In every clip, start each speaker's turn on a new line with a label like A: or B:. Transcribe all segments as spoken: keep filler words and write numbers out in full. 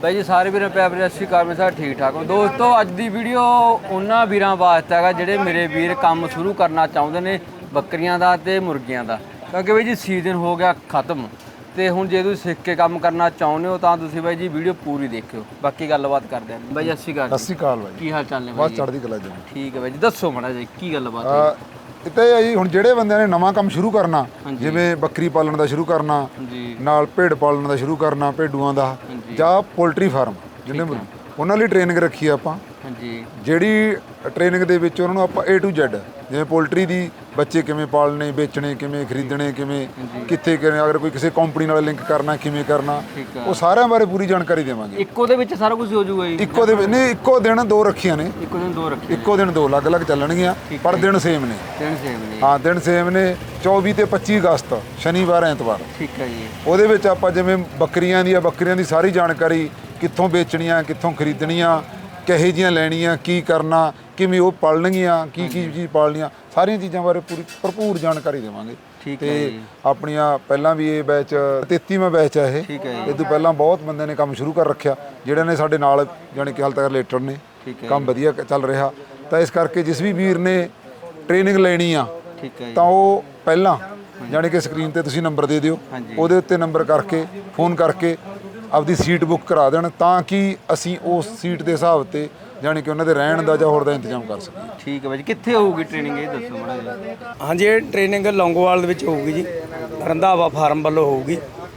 A: भाई जी सारे वीर प्यार सत श्री अकाल। मैं ठीक ठाक हो दोस्तों। अज की वीडियो उन्होंने वीरों वास्ते है जोड़े मेरे वीर काम शुरू करना चाहते हैं बकरियां का तो मुर्गियां का, क्योंकि भाई जी सीजन हो गया खत्म तो हूँ जे तुम सीख के काम करना चाहते हो तो तुम भाई जी वीडियो पूरी देखियो। बाकी गलबात करते हैं। भाई सत श्री अकाल।
B: सत श्री अकाल भाई,
A: की हाल चाल ने?
B: बस चढ़दी कला जी।
A: ठीक है भाई जी, दसो माड़ा जी की गलबात
B: इत्ते जी हुण ਜਿਹੜੇ ਬੰਦਿਆਂ ਨੇ ਨਵਾਂ ਕੰਮ ਸ਼ੁਰੂ ਕਰਨਾ, ਜਿਵੇਂ ਬੱਕਰੀ ਪਾਲਣ ਦਾ ਸ਼ੁਰੂ ਕਰਨਾ, ਨਾਲ ਭੇਡ ਪਾਲਣ ਦਾ ਸ਼ੁਰੂ ਕਰਨਾ, ਭੇਡੂਆਂ ਦਾ ਜਾਂ ਪੋਲਟਰੀ ਫਾਰਮ ਜਿਹਨੇ ਉਹਨਾਂ ਲਈ ਟ੍ਰੇਨਿੰਗ ਰੱਖੀ ਆ ਆਪਾਂ। ਹਾਂਜੀ, ਜਿਹੜੀ ਟ੍ਰੇਨਿੰਗ ਦੇ ਵਿੱਚ ਉਹਨਾਂ ਨੂੰ ਆਪਾਂ A to Z ਜਿਵੇਂ ਪੋਲਟਰੀ ਦੀ ਬੱਚੇ ਕਿਵੇਂ ਪਾਲਣੇ, ਵੇਚਣੇ ਕਿਵੇਂ, ਖਰੀਦਣੇ ਕਿਵੇਂ, ਕਿੱਥੇ ਕਿਵੇਂ, ਅਗਰ ਕੋਈ ਕਿਸੇ ਕੰਪਨੀ ਨਾਲ ਲਿੰਕ ਕਰਨਾ ਕਿਵੇਂ ਕਰਨਾ, ਉਹ ਸਾਰਿਆਂ ਬਾਰੇ ਪੂਰੀ ਜਾਣਕਾਰੀ ਦੇਵਾਂਗੇ।
A: ਇੱਕੋ ਦੇ ਵਿੱਚ ਸਾਰਾ ਕੁਝ ਹੋ ਜਾਊਗਾ ਜੀ? ਇੱਕੋ
B: ਦੇ ਨਹੀਂ, ਇੱਕੋ ਦਿਨ ਦੋ ਰੱਖੀਆਂ ਨੇ।
A: ਇੱਕੋ ਦਿਨ ਦੋ ਰੱਖੀਆਂ,
B: ਇੱਕੋ ਦਿਨ ਦੋ ਅਲੱਗ-ਅਲੱਗ ਚੱਲਣਗੀਆਂ, ਪਰ ਦਿਨ ਸੇਮ ਨੇ।
A: ਦਿਨ ਸੇਮ ਨੇ?
B: ਹਾਂ, ਦਿਨ ਸੇਮ ਨੇ। ਚੌਵੀ ਤੇ ਪੱਚੀ ਅਗਸਤ ਸ਼ਨੀਵਾਰ ਐਤਵਾਰ।
A: ਠੀਕ ਹੈ ਜੀ। ਉਹਦੇ
B: ਵਿੱਚ ਆਪਾਂ ਜਿਵੇਂ ਬੱਕਰੀਆਂ ਦੀ ਆ, ਬੱਕਰੀਆਂ ਦੀ ਸਾਰੀ ਜਾਣਕਾਰੀ, ਕਿੱਥੋਂ ਵੇਚਣੀਆਂ, ਕਿੱਥੋਂ ਖਰੀਦਣੀਆਂ, ਕਿਹੋ ਜਿਹੀਆਂ ਲੈਣੀਆਂ, ਕੀ ਕਰਨਾ, ਕਿਵੇਂ ਉਹ ਪਾਲਣਗੀਆਂ, ਕੀ ਕੀ ਚੀਜ਼ ਪਾਲਣੀਆਂ, ਸਾਰੀਆਂ ਚੀਜ਼ਾਂ ਬਾਰੇ ਪੂਰੀ ਭਰਪੂਰ ਜਾਣਕਾਰੀ ਦੇਵਾਂਗੇ।
A: ਠੀਕ ਹੈ ਜੀ।
B: ਆਪਣੀਆਂ ਪਹਿਲਾਂ ਵੀ ਇਹ ਬੈਚ ਤੇਤੀਵਾਂ ਬੈਚ ਆ ਇਹ।
A: ਠੀਕ ਹੈ ਜੀ।
B: ਇਹ ਤੋਂ ਪਹਿਲਾਂ ਬਹੁਤ ਬੰਦੇ ਨੇ ਕੰਮ ਸ਼ੁਰੂ ਕਰ ਰੱਖਿਆ ਜਿਹੜੇ ਨੇ ਸਾਡੇ ਨਾਲ ਜਾਣੀ ਕਿ ਹਾਲ ਤੱਕ ਰਿਲੇਟਡ ਨੇ। ਕੰਮ ਵਧੀਆ ਚੱਲ ਰਿਹਾ, ਤਾਂ ਇਸ ਕਰਕੇ ਜਿਸ ਵੀ ਵੀਰ ਨੇ ਟ੍ਰੇਨਿੰਗ ਲੈਣੀ ਆ ਤਾਂ ਉਹ ਪਹਿਲਾਂ ਜਾਣੀ ਕਿ ਸਕਰੀਨ ਤੇ ਤੁਸੀਂ ਨੰਬਰ ਦੇ ਦਿਓ, ਉਹਦੇ ਉੱਤੇ ਨੰਬਰ ਕਰਕੇ ਫੋਨ ਕਰਕੇ ਆਪਦੀ ਸੀਟ ਬੁੱਕ ਕਰਾ ਦੇਣ, ਤਾਂ ਕਿ ਅਸੀਂ ਉਸ ਸੀਟ ਦੇ ਹਿਸਾਬ ਤੇ ਜਾਣੀ ਕਿ ਉਹਨਾਂ ਦੇ ਰਹਿਣ ਦਾ ਜਾਂ ਹੋਰ ਦਾ ਇੰਤਜ਼ਾਮ ਕਰ ਸਕੀਏ।
A: ਠੀਕ ਹੈ ਭਾਈ ਜੀ। ਕਿੱਥੇ ਹੋਊਗੀ ਟ੍ਰੇਨਿੰਗ ਇਹ ਦੱਸੋ ਮਾੜਾ ਜੀ।
C: ਹਾਂਜੀ, ਇਹ ਟ੍ਰੇਨਿੰਗ ਲੌਂਗੋਵਾਲ ਦੇ ਵਿੱਚ ਹੋਊਗੀ ਜੀ, ਰੰਧਾਵਾ ਫਾਰਮ ਵੱਲੋਂ ਹੋਊਗੀ।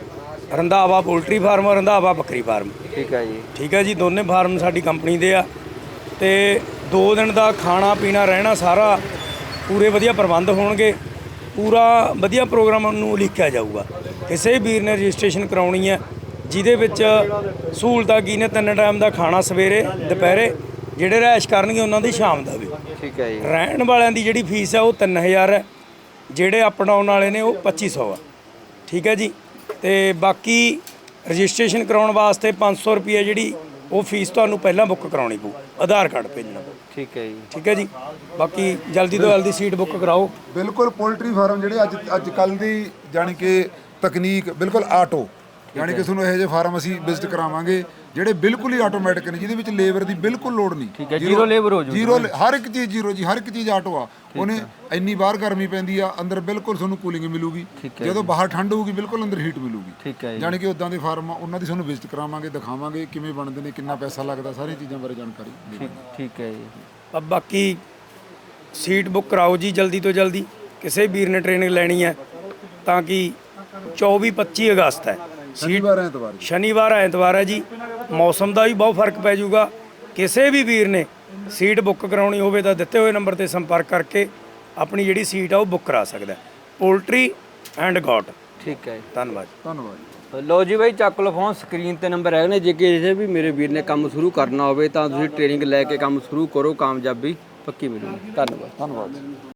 C: ਰੰਧਾਵਾ ਪੋਲਟਰੀ ਫਾਰਮ, ਰੰਧਾਵਾ ਬੱਕਰੀ ਫਾਰਮ।
A: ਠੀਕ ਹੈ ਜੀ।
C: ਠੀਕ ਹੈ ਜੀ, ਦੋਨੇ ਫਾਰਮ ਸਾਡੀ ਕੰਪਨੀ ਦੇ ਆ ਤੇ ਦੋ ਦਿਨ ਦਾ ਖਾਣਾ ਪੀਣਾ ਰਹਿਣਾ ਸਾਰਾ ਪੂਰੇ ਵਧੀਆ ਪ੍ਰਬੰਧ ਹੋਣਗੇ। ਪੂਰਾ ਵਧੀਆ ਪ੍ਰੋਗਰਾਮ ਨੂੰ ਲਿਖਿਆ ਜਾਊਗਾ। ਕਿਸੇ ਵੀਰ ਨੇ ਰਜਿਸਟ੍ਰੇਸ਼ਨ ਕਰਾਉਣੀ ਹੈ ਜਿਹਦੇ ਵਿੱਚ ਸਹੂਲਤਾਂ ਕੀ ਨੇ, ਤਿੰਨ ਟਾਈਮ ਦਾ ਖਾਣਾ ਸਵੇਰੇ ਦੁਪਹਿਰੇ, ਜਿਹੜੇ ਰਿਹਾਇਸ਼ ਕਰਨਗੇ ਉਹਨਾਂ ਦੀ ਸ਼ਾਮ ਦਾ ਵੀ।
A: ਠੀਕ ਹੈ ਜੀ।
C: ਰਹਿਣ ਵਾਲਿਆਂ ਦੀ ਜਿਹੜੀ ਫੀਸ ਹੈ ਉਹ ਤਿੰਨ ਹਜ਼ਾਰ ਹੈ, ਜਿਹੜੇ ਅਪ ਡਾਊਨ ਵਾਲੇ ਨੇ ਉਹ ਪੱਚੀ ਸੌ ਆ। ਠੀਕ ਹੈ ਜੀ। ਤੇ ਬਾਕੀ ਰਜਿਸਟ੍ਰੇਸ਼ਨ ਕਰਾਉਣ ਵਾਸਤੇ ਪੰਜ ਸੌ ਰੁਪਏ ਜਿਹੜੀ ਉਹ ਫੀਸ ਤੁਹਾਨੂੰ ਪਹਿਲਾਂ ਬੁੱਕ ਕਰਾਉਣੀ ਪਊ, ਆਧਾਰ ਕਾਰਡ ਭੇਜਣਾ ਪਊ। ਠੀਕ ਹੈ ਜੀ। ਠੀਕ ਹੈ ਜੀ। ਬਾਕੀ ਜਲਦੀ ਤੋਂ ਜਲਦੀ ਸੀਟ ਬੁੱਕ ਕਰਾਓ।
B: ਬਿਲਕੁਲ ਪੋਲਟਰੀ ਫਾਰਮ ਜਿਹੜੇ ਅੱਜ ਅੱਜ ਕੱਲ੍ਹ ਦੀ ਜਾਣੀ ਕਿ ਤਕਨੀਕ ਬਿਲਕੁਲ ਆਟੋ, ਯਾਨੀ ਕਿ ਤੁਹਾਨੂੰ ਇਹੋ ਜਿਹੇ ਫਾਰਮ ਅਸੀਂ ਵਿਜ਼ਿਟ ਕਰਾਵਾਂਗੇ ਜਿਹੜੇ ਬਿਲਕੁਲ ਹੀ ਆਟੋਮੈਟਿਕ ਨੇ, ਜਿਹਦੇ ਵਿੱਚ ਲੇਬਰ ਦੀ ਬਿਲਕੁਲ ਲੋੜ ਨਹੀਂ।
A: ਠੀਕ ਹੈ, ਜ਼ੀਰੋ ਲੇਬਰ ਹੋ ਜੂ।
B: ਜ਼ੀਰੋ, ਹਰ ਇੱਕ ਚੀਜ਼ ਜ਼ੀਰੋ ਜੀ, ਹਰ ਇੱਕ ਚੀਜ਼ ਆਟੋ ਆ। ਉਹਨੇ ਇੰਨੀ ਬਾਹਰ ਗਰਮੀ ਪੈਂਦੀ ਆ, ਅੰਦਰ ਬਿਲਕੁਲ ਤੁਹਾਨੂੰ ਕੂਲਿੰਗ ਮਿਲੂਗੀ। ਜਦੋਂ ਬਾਹਰ ਠੰਡ ਹੋਊਗੀ ਬਿਲਕੁਲ ਅੰਦਰ ਹੀਟ ਮਿਲੂਗੀ।
A: ਠੀਕ ਹੈ।
B: ਯਾਨੀ ਕਿ ਉਦਾਂ ਦੇ ਫਾਰਮ ਆ, ਉਹਨਾਂ ਦੀ ਤੁਹਾਨੂੰ ਵਿਜ਼ਿਟ ਕਰਾਵਾਂਗੇ, ਦਿਖਾਵਾਂਗੇ ਕਿਵੇਂ ਬਣਦੇ ਨੇ, ਕਿੰਨਾ ਪੈਸਾ ਲੱਗਦਾ, ਸਾਰੀਆਂ ਚੀਜ਼ਾਂ ਬਾਰੇ ਜਾਣਕਾਰੀ।
A: ਠੀਕ ਹੈ ਜੀ।
C: ਬਾਕੀ ਸੀਟ ਬੁੱਕ ਕਰਾਓ ਜੀ ਜਲਦੀ ਤੋਂ ਜਲਦੀ, ਕਿਸੇ ਵੀਰ ਨੇ ਟ੍ਰੇਨਿੰਗ ਲੈਣੀ ਹੈ ਤਾਂ ਕਿ ਚੌਵੀ ਪੱਚੀ ਅਗਸਤ ਹੈ,
B: ਸ਼ਨੀਵਾਰ ਐਤਵਾਰ।
C: ਸ਼ਨੀਵਾਰ ਐਤਵਾਰ ਹੈ ਜੀ। ਮੌਸਮ ਦਾ ਵੀ ਬਹੁਤ ਫਰਕ ਪੈ ਜਾਊਗਾ। ਕਿਸੇ ਵੀ ਵੀਰ ਨੇ ਸੀਟ ਬੁੱਕ ਕਰਾਉਣੀ ਹੋਵੇ ਤਾਂ ਦਿੱਤੇ ਹੋਏ ਨੰਬਰ ਤੇ ਸੰਪਰਕ ਕਰਕੇ ਆਪਣੀ ਜਿਹੜੀ ਸੀਟ ਆ ਉਹ ਬੁੱਕ ਕਰਾ ਸਕਦਾ। Poultry and goat.
A: ਠੀਕ ਹੈ,
C: ਧੰਨਵਾਦ।
B: ਧੰਨਵਾਦ।
A: ਲੋ ਜੀ ਬਾਈ, ਚੱਕ ਲਓ ਫੋਨ, ਸਕਰੀਨ ਤੇ ਨੰਬਰ ਹੈਗੇ ਨੇ। ਜੇ ਕਿਸੇ ਵੀ ਮੇਰੇ ਵੀਰ ਨੇ ਕੰਮ ਸ਼ੁਰੂ ਕਰਨਾ ਹੋਵੇ ਤਾਂ ਤੁਸੀਂ ਟ੍ਰੇਨਿੰਗ ਲੈ ਕੇ ਕੰਮ ਸ਼ੁਰੂ ਕਰੋ, ਕਾਮਯਾਬੀ ਪੱਕੀ ਮਿਲੂਗੀ। ਧੰਨਵਾਦ।
B: ਧੰਨਵਾਦ।